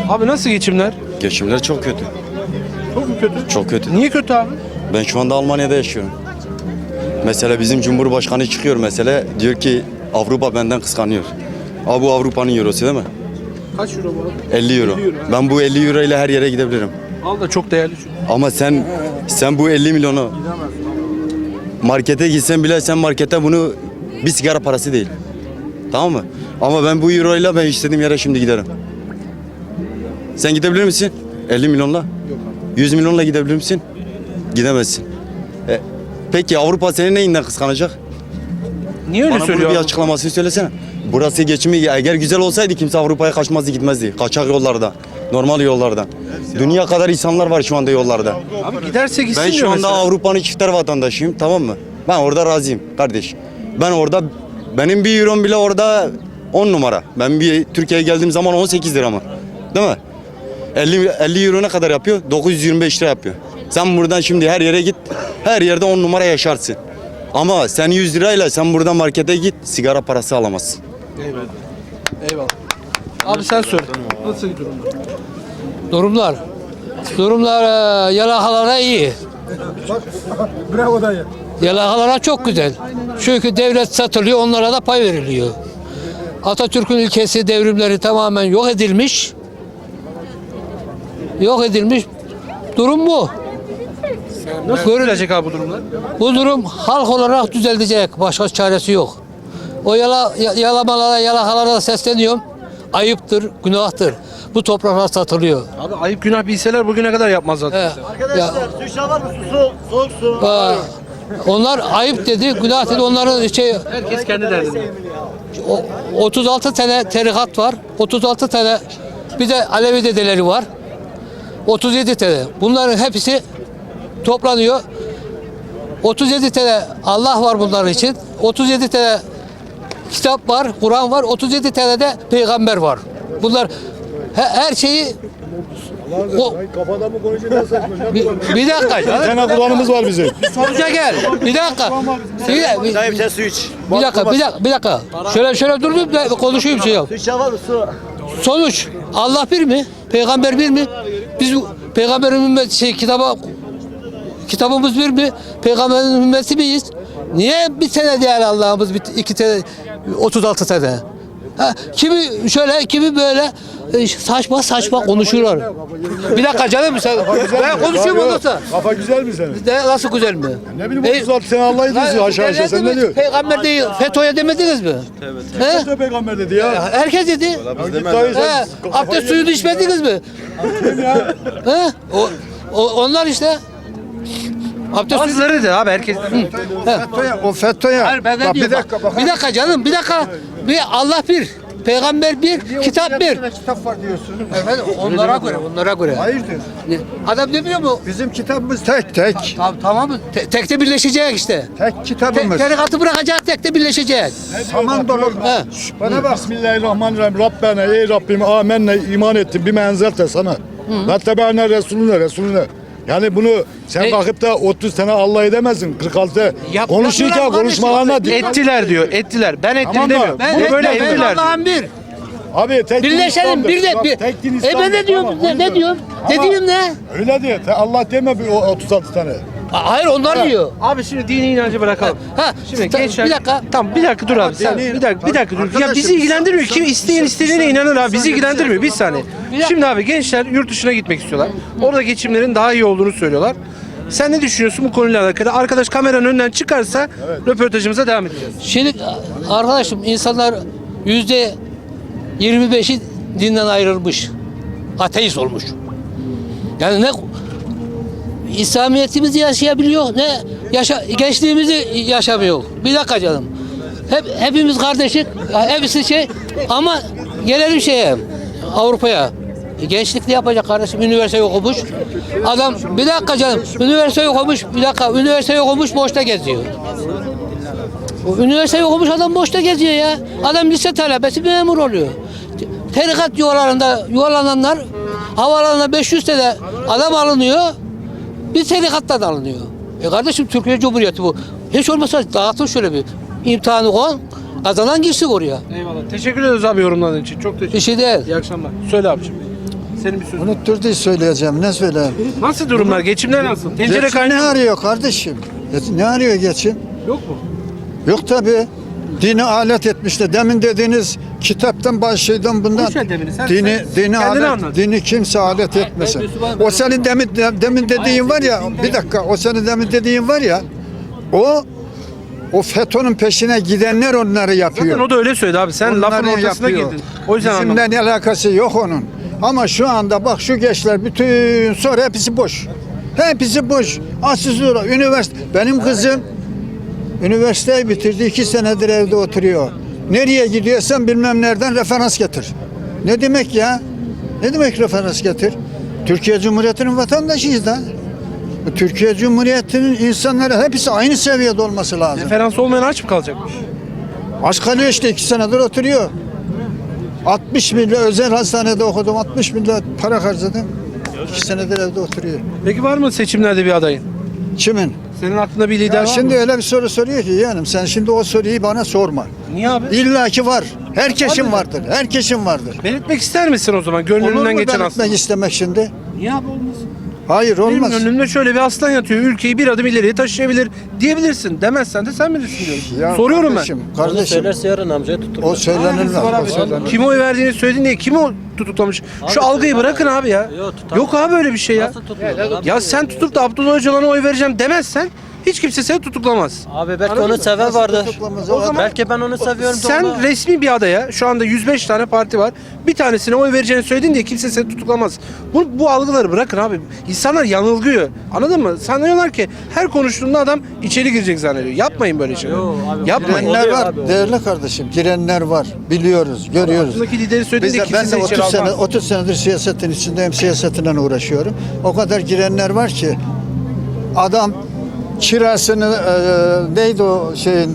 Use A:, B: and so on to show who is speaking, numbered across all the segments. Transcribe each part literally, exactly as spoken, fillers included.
A: Abi nasıl geçimler?
B: Geçimler çok kötü.
A: Çok mu kötü?
B: Çok kötü.
A: Niye kötü abi?
B: Ben şu anda Almanya'da yaşıyorum. Mesela bizim Cumhurbaşkanı çıkıyor mesela diyor ki Avrupa benden kıskanıyor. Abi bu Avrupa'nın eurosu değil mi?
A: Kaç euro bu abi?
B: elli euro.
A: elli euro, ha.
B: Ben bu elli euro ile her yere gidebilirim.
A: Al da çok değerli çünkü.
B: Ama sen sen bu elli milyonu markete gitsen bile sen markete bunu bir sigara parası değil. Tamam mı? Ama ben bu euro ile ben istediğim yere şimdi giderim. Sen gidebilir misin? elli milyonla?
A: Yok abi.
B: yüz milyonla gidebilir misin? Gidemezsin. E, peki Avrupa seni neyinden kıskanacak?
A: Niye öyle
B: Bana bunu
A: söylüyor
B: bir
A: abi?
B: açıklamasını söylesene. Burası geçimi eğer güzel olsaydı kimse Avrupa'ya kaçmazdı gitmezdi. Kaçak yollarda, normal yollardan. Dünya kadar insanlar var şu anda yollarda.
A: Abi giderse gitsin
B: Ben şu
A: diyor
B: anda
A: mesela.
B: Avrupa'nın çifter vatandaşıyım, tamam mı? Ben orada razıyım kardeş. Ben orada benim bir eurom bile orada on numara. Ben bir Türkiye'ye geldiğim zaman on sekiz lira mı? Değil mi? elli, elli euro ne kadar yapıyor? dokuz yüz yirmi beş lira yapıyor. Sen buradan şimdi her yere git. Her yerde on numara yaşarsın. Ama sen yüz lirayla sen buradan markete git sigara parası alamazsın.
A: Eyvallah. Eyvallah. Abi sen söyle. Nasıl durumlar?
C: Durumlar. Durumlar e, yalakalara iyi.
D: Bravo dayı.
C: Yalakalara çok güzel. Çünkü devlet satılıyor, onlara da pay veriliyor. Atatürk'ün ülkesi devrimleri tamamen yok edilmiş. Yok edilmiş. Durum bu.
A: Nasıl görülecek abi bu durumlar?
C: Bu durum halk olarak düzelecek. Başka çaresi yok. O yala, ya- yalamalara, yalakalara sesleniyorum. Ayıptır, günahtır. Bu topraklar satılıyor.
A: Abi ayıp günah bilseler bugüne kadar yapmazlar.
C: He. Ya,
D: Su var mı? Su, soğuk su.
C: Aa, onlar ayıp dedi, günah dedi. Onların şey
A: Herkes kendi derdinde.
C: o- otuz altı tane tarikat var. otuz altı tane bir de Alevi dedeleri var. otuz yedi tane. Bunların hepsi toplanıyor. otuz yedi tane Allah var bunların için. otuz yedi tane kitap var, Kur'an var. otuz yedi tane de peygamber var. Bunlar he- her şeyi o,
D: Kafada mı konuşuyorsun?
C: bir, bir dakika.
D: Bir tane Kur'an'ımız var bizim.
C: Sonuca gel. Bir dakika. Bir, bir,
D: Dayı bir tane su iç.
C: bir dakika, bir dakika, bir dakika. Şöyle şöyle durdum da konuşayım şey yok.
D: Su var mı? Su.
C: Sonuç Allah bir mi? Peygamber bir mi? Biz peygamberin ümmeti şey kitaba kitabımız bir mi? Peygamberin ümmeti miyiz? Niye bir tane değil Allah'ımız bir iki tane otuz altı tane? Ha, kimi şöyle kimi böyle e, saçma saçma konuşuyorlar. Bir dakika canım sen ben konuşuyorum ondan sonra.
D: Kafa güzel mi senin?
C: De, nasıl güzel mi?
D: Ne bileyim
C: E,
D: otuz altı sene Allah'ı diyorsun aşağı aşağı sen ne diyorsun?
C: Peygamber değil, FETÖ'ye demediniz mi? Evet.
D: Ne peygamber dedi ya?
C: Herkes dedi.
D: Dayı
C: He,
D: sen
C: abdest suyunu içmediniz mi? He? O, o, onlar işte. Abdest suyu.
A: Bazıları da abi herkes.
D: o FETÖ'ye.
C: Hayır ben de
D: Bak bir
C: diyorum.
D: dakika
C: bak.
D: bak.
C: Bir dakika canım, bir dakika. Bir Allah bir, peygamber bir, kitap bir.
D: Kitap var diyorsun.
C: Efendim onlara göre, onlara göre.
D: Hayırdır?
C: Ne? Adam demiyor mu?
D: Bizim kitabımız tek tek.
C: Tamam, tamam mı? Te- tekte birleşecek işte.
D: Tek
C: Te-
D: kitabımız.
C: tarikatı bırakacak, tekte birleşecek.
D: Saman dolu.
C: He.
D: Bana bak. Bismillahirrahmanirrahim. Rabbena ey Rabbim amenna iman ettim. Bir menzelte sana. Ve tebe'ne Resulüne Resulüne. Yani bunu sen
C: E-
D: kalkıp da otuz sene Allah edemezsin. kırk altı
C: Yap-
D: konuşurken
C: yapıyorlar
D: konuşmalarına dikkat.
A: Ettiler diyor. Ettiler. Ben ettim
D: Tamam da
A: demiyorum.
C: Ben,
A: Bunu
C: ben,
A: böyle
C: ben
A: ettiler. diyor.
C: Allah'ın bir.
D: Abi tek din
C: Birleşelim
D: İslam'dır.
C: bir de
D: Bak,
C: bir.
D: tek din
C: E ben
D: İslam'dır.
C: ne diyorum?
D: Tamam,
C: ne,
D: onu
C: ne
D: diyor.
C: diyorum? Ne
D: Ama
C: diyeyim ne?
D: Öyle diyor. Te- Allah deme bir o otuz altı tane.
C: A- Hayır onlar diyor.
A: Abi şimdi dini inancı bırakalım.
C: Ha,
A: Şimdi
C: ta-
A: gençler...
C: bir dakika.
A: Tamam bir dakika dur abi. Sen, bir dakika bir dakika dur. Ya bizi ilgilendirmiyor. Kim isteyen istediğine inanır abi. Bizi ilgilendirmiyor. Bir saniye. Şimdi abi gençler yurt dışına gitmek istiyorlar. Orada geçimlerin daha iyi olduğunu söylüyorlar. Sen ne düşünüyorsun bu konuyla alakalı? Arkadaş kameranın önünden çıkarsa röportajımıza devam edeceğiz.
C: Şimdi arkadaşım insanlar yüzde yirmi beşi dinden ayrılmış. Ateist olmuş. Yani ne İslamiyetimizi yaşayabiliyor ne yaşa, gençliğimizi yaşamıyor. Bir dakika canım. Hep, hepimiz kardeşik, hepsi şey ama gelelim şeye Avrupa'ya. E, gençlik ne yapacak kardeşim? Üniversite okumuş. Adam bir dakika canım. Üniversite okumuş. Bir dakika. Üniversite okumuş boşta geziyor. O üniversite okumuş adam boşta geziyor ya. Adam lise talebesi memur oluyor. Tarikat yuvalarında yuvalananlar havalarına beş yüz tane adam alınıyor. Bir tarikattan alınıyor. E kardeşim Türkiye Cumhuriyeti bu. Hiç olmazsa dağıtın şöyle bir imtihanı koyun. Kazanan girsin oraya.
A: Eyvallah. Teşekkür ederiz abi yorumladığın için. Çok teşekkür
C: Bir şey değil.
A: İyi akşamlar. Söyle abiciğim. Senin bir sözün.
E: Unutturdu söyleyeceğim. Ne söyleyeyim?
A: Nasıl durumlar? Geçimler nasıl? Tencere
E: Geçim ne
A: kaynıyor mu?
E: arıyor kardeşim? Ne arıyor geçim?
A: Yok mu?
E: Yok tabi. Dini alet etmişler. Demin dediğiniz kitaptan başlaydım bundan.
A: Boş ver demini, sen-
E: dini
A: sen
E: dini
A: kendini
E: alet,
A: anlat.
E: dini kimse alet etmesin.
C: Müslüman-
E: O senin demin demin dediğin var ya. Bir dakika. O senin demin dediğin var ya. O o FETÖ'nün peşine gidenler onları yapıyor.
A: Zaten o da öyle söyledi abi. Sen lafın
E: Onları
A: ortasına
E: yapıyor.
A: girdin. O yüzden
E: Bizimle
A: anlamadım.
E: ne alakası yok onun. Ama şu anda bak şu gençler bütün sonra hepsi boş. Hepsi boş. Asıl üniversite. Benim kızım üniversiteyi bitirdi. iki senedir evde oturuyor. Nereye gidiyorsan bilmem nereden referans getir. Ne demek ya? Ne demek referans getir? Türkiye Cumhuriyeti'nin vatandaşıyız da. Türkiye Cumhuriyeti'nin insanları hepsi aynı seviyede olması lazım.
A: Referans olmayan aç mı kalacakmış?
E: Aç kalıyor işte iki senedir oturuyor. altmış milyon özel hastanede okudum. altmış milyon para harcadım. iki senedir evde oturuyor.
A: Peki var mı seçimlerde bir adayın?
E: Kimin?
A: Senin aklında bir lider
E: Ya
A: var
E: şimdi
A: mı?
E: öyle bir soru soruyor ki yeğenim sen şimdi o soruyu bana sorma.
A: Niye abi?
E: İlla ki var. Herkesin vardır. Herkesin vardır.
A: Belirtmek ister misin o zaman
E: Olur
A: gönlünden
E: mu
A: geçen
E: ben
A: aslan?
E: etmek istemek şimdi?
A: Niye abi olmaz?
E: Hayır olmaz.
A: Benim önümde şöyle bir aslan yatıyor. Ülkeyi bir adım ileriye taşıyabilir diyebilirsin. Demezsen de sen bilirsin diyorum.
E: Ya
A: Soruyorum
E: kardeşim,
A: ben.
E: Kardeşim
F: Söylerse yarın amcaya tuturlar.
E: o söylenilmez.
A: Var
E: O
A: abi.
E: söylenilmez.
A: Kime oy verdiğini söylediğin diye kimi o tutuklamış? Şu algıyı bırakın abi ya.
F: Yok, tutamaz.
A: Yok abi öyle bir şey ya.
F: Nasıl tutuyorlar abi?
A: Ya sen tutup da Abdullah Öcalan'a oy vereceğim demezsen hiç kimse seni tutuklamaz.
F: Abi belki
A: Anladın
F: onu
A: mı?
F: seven
E: Nasıl
F: vardır.
E: tutuklamaz?
A: O
E: O
A: zaman-
F: Belki ben onu seviyorum. da
A: Sen
F: ona-
A: resmi bir adaya şu anda yüz beş tane parti var. Bir tanesine oy vereceğini söyledin diye kimse seni tutuklamaz. Bu, bu algıları bırakın abi. İnsanlar yanılgıyor. Anladın mı? Sanıyorlar ki her konuştuğunda adam içeri girecek zannediyor. Yapmayın böyle şeyler.
F: Yo abi,
A: Yapmayın.
F: oluyor
E: Girenler var.
F: abi, oluyor.
E: Değerli kardeşim girenler var. Biliyoruz, görüyoruz.
A: Aklındaki lideri söyledin
E: Biz
A: diye
E: de,
A: kimse
E: ben de
A: seni içeri
E: otuz sene
A: almaz.
E: otuz senedir siyasetin içindeyim. Siyasetinden uğraşıyorum. O kadar girenler var ki adam kirasını e, neydi o şeyin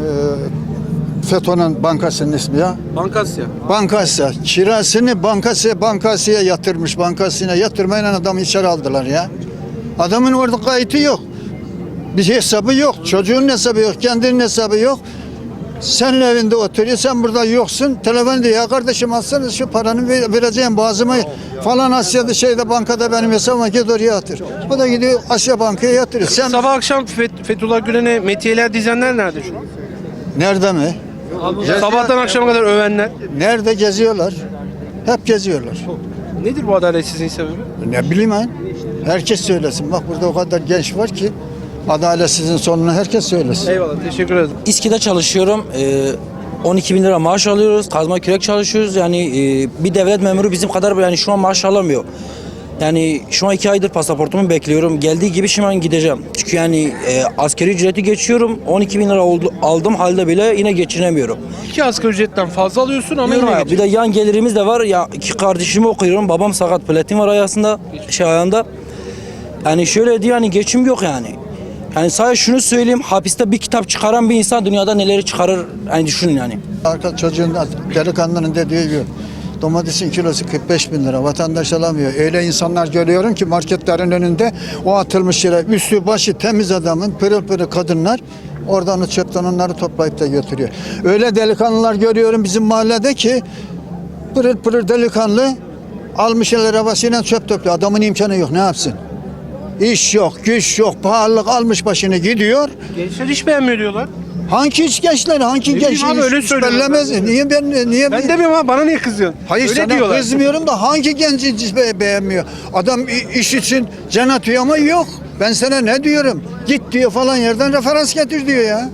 E: e, FETÖ'nün bankasının ismi ya?
A: Bankasya.
E: Bankasya. Kirasını bankasya bankasya yatırmış. Bankasına yatırmayla adamı içeri aldılar ya. Adamın orada kayıtı yok. Bir hesabı yok. Çocuğun hesabı yok. Kendinin hesabı yok. Sen evinde oturuyor, sen burada yoksun. Telefon diyor, ya kardeşim alsana şu paranı ver- vereceğim bazıma falan Asya'da şeyde bankada benim hesabıma git oraya yatır. O da gidiyor Asya Banka'ya yatırıyor. Sen
A: Sabah akşam Fet- Fethullah Gülen'e metiyeler dizenler nerede şu an?
E: nerede mi?
A: Sabahtan akşama kadar övenler.
E: Nerede geziyorlar? Hep geziyorlar.
A: Nedir bu adaletsizliğin sebebi?
E: Ne bileyim ben. Herkes söylesin. Bak burada o kadar genç var ki adaletsizin sonunu herkes söylesin.
A: Eyvallah teşekkür ederim.
G: İSKİ'de çalışıyorum. Ee, on iki bin lira maaş alıyoruz. Kazma kürek çalışıyoruz. Yani e, bir devlet memuru bizim kadar yani şu an maaş alamıyor. Yani şu an iki aydır pasaportumu bekliyorum. Geldiği gibi şimdi ben gideceğim. Çünkü yani e, askeri ücreti geçiyorum. on iki bin lira oldu, aldım halde bile yine geçinemiyorum.
A: İki asgari ücretten fazla alıyorsun ama
G: Diyorum
A: yine
G: ya, bir de
A: geçiyorsun.
G: yan gelirimiz de var. Ya iki kardeşimi okuyorum. Babam sakat, platin var ayağında, şey ayağında. Yani şöyle diyor hani geçim yok yani. Yani sadece şunu söyleyeyim, hapiste bir kitap çıkaran bir insan dünyada neleri çıkarır hani düşünün yani.
E: Arka çocuğun delikanlının dediği gibi domatesin kilosu kırk beş bin lira vatandaş alamıyor. Öyle insanlar görüyorum ki marketlerin önünde o atılmış yere üstü başı temiz adamın pırıl pırıl kadınlar oradan o çöpten onları toplayıp da götürüyor. Öyle delikanlılar görüyorum bizim mahallede ki pırıl pırıl delikanlı almış el arabasıyla çöp topluyor. Adamın imkanı yok, ne yapsın? İş yok, güç yok, pahalılık almış başını gidiyor.
A: Gençler hiç beğenmiyor diyorlar.
E: Hangi iş gençler, hangi
A: Ne
E: genç
A: bileyim abi,
E: iş-
A: öyle
E: iş
A: söylüyorlar.
E: bellemez? Niye ben niye
A: Ben demiyorum ama bana niye kızıyorsun?
E: Hayır
A: Öyle
E: sana
A: diyorlar.
E: kızmıyorum da hangi genç hiç be- beğenmiyor? Adam i- iş için can atıyor ama yok. Ben sana ne diyorum? Git diyor falan yerden referans getir diyor ya.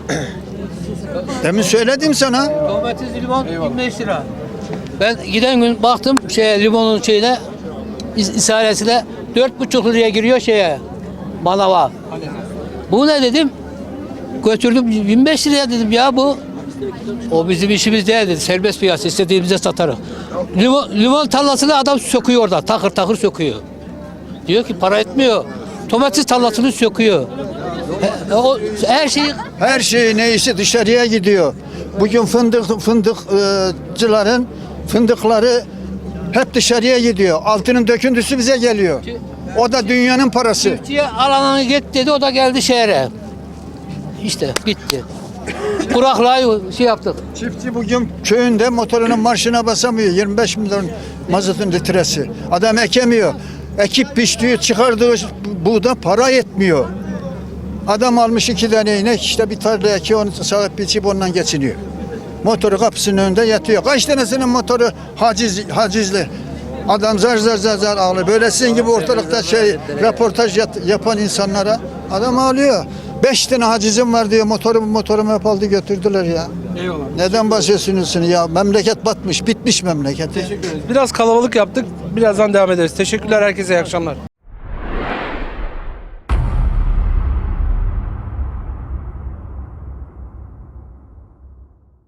E: Demin söyledim sana.
C: Domates, limon yirmi beş lira. Ben giden gün baktım şeye limonun şeyine is- isaresine dört buçuk liraya giriyor şeye manava. Bu ne dedim? Götürdüm yirmi beş liraya dedim ya bu. O bizim işimiz değil dedi. Serbest piyasa istediğimize satarız. Limon, limon tarlasını adam söküyor orada. Takır takır söküyor. Diyor ki para etmiyor. Domates tarlasını söküyor. He- o, her şeyi
E: Her şey neyse dışarıya gidiyor. Bugün fındık fındıkçıların fındıkları hep dışarıya gidiyor. Altının döküntüsü bize geliyor. O da dünyanın parası.
C: çiftçiye alanını git dedi o da geldi şehre. İşte bitti. kuraklığı şey yaptık.
E: Çiftçi bugün köyünde motorunun marşına basamıyor. yirmi beş milyon mazotun litresi. Adam ekemiyor. Ekip biçtiği, çıkardığı buğda para yetmiyor. Adam almış iki tane inek, işte bir tarla ekiyor, onu sahip biçip ondan geçiniyor. Motoru kapısının önünde yatıyor. Kaç tanesinin motoru haciz, hacizli. Adam zar zar zar zar ağlıyor. Böyle sizin gibi ortalıkta şey röportaj yat- yapan insanlara adam ağlıyor. Beş tane hacizim var diyor. Motorumu motorumu hep aldı götürdüler ya.
A: Eyvallah.
E: Neden bahsediyorsunuz ya? Memleket batmış, bitmiş memleket. ya.
A: Biraz kalabalık yaptık. Birazdan devam ederiz. Teşekkürler herkese. İyi akşamlar.